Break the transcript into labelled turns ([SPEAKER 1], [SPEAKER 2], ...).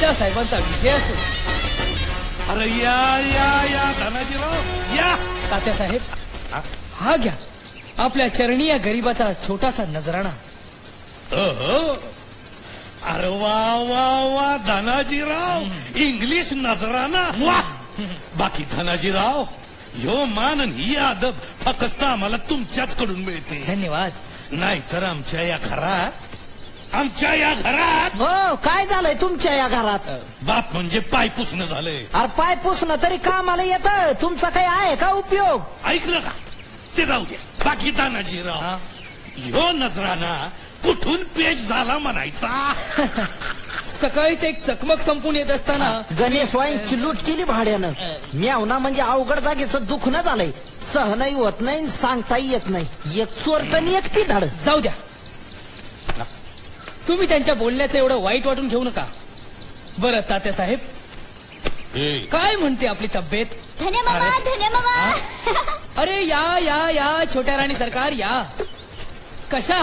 [SPEAKER 1] तात्यासाहेबांचा विजय असो.
[SPEAKER 2] अरे या या या धनाजीराव या.
[SPEAKER 1] तात्यासाहेब हा घ्या आपल्या चरणी या गरीबाचा छोटासा नजराणा.
[SPEAKER 2] अरे वा वा वा धनाजीराव, इंग्लिश नजराना वा. बाकी धनाजीराव, ह्यो मान आणि ही अदब फक्त आम्हाला तुमच्याच कडून मिळते.
[SPEAKER 1] धन्यवाद.
[SPEAKER 2] नाहीतर आमच्या या घरात
[SPEAKER 3] हो काय झालंय तुमच्या या घरात?
[SPEAKER 2] बाप म्हणजे पाय पुसणं झालंय.
[SPEAKER 3] अरे पाय पुसणं तरी कामाला येतं, तुमचा काही आहे का उपयोग?
[SPEAKER 2] ऐकलं का? ते जाऊ द्या. बाकी धनाजीराव, ह्यो नजराना कुठून पेश झाला म्हणायचा?
[SPEAKER 1] सकाळीच एक चकमक संपून येत असताना
[SPEAKER 3] गणेश वाईंची लूट केली भाड्यानं. म्यावना म्हणजे अवघड जागेचं दुखणं झालंय. सहनही होत नाही, सांगताही येत नाही. एक चोरटनी एक पिधाड.
[SPEAKER 1] जाऊ द्या. तुम्ही त्यांच्या बोलण्याचं एवढं वाईट वाटून घेऊ नका. बरं तात्यासाहेब, काय म्हणते आपली तब्येत?
[SPEAKER 4] धन्य मामा.
[SPEAKER 1] अरे या या या छोट्या राणी सरकार या. कशा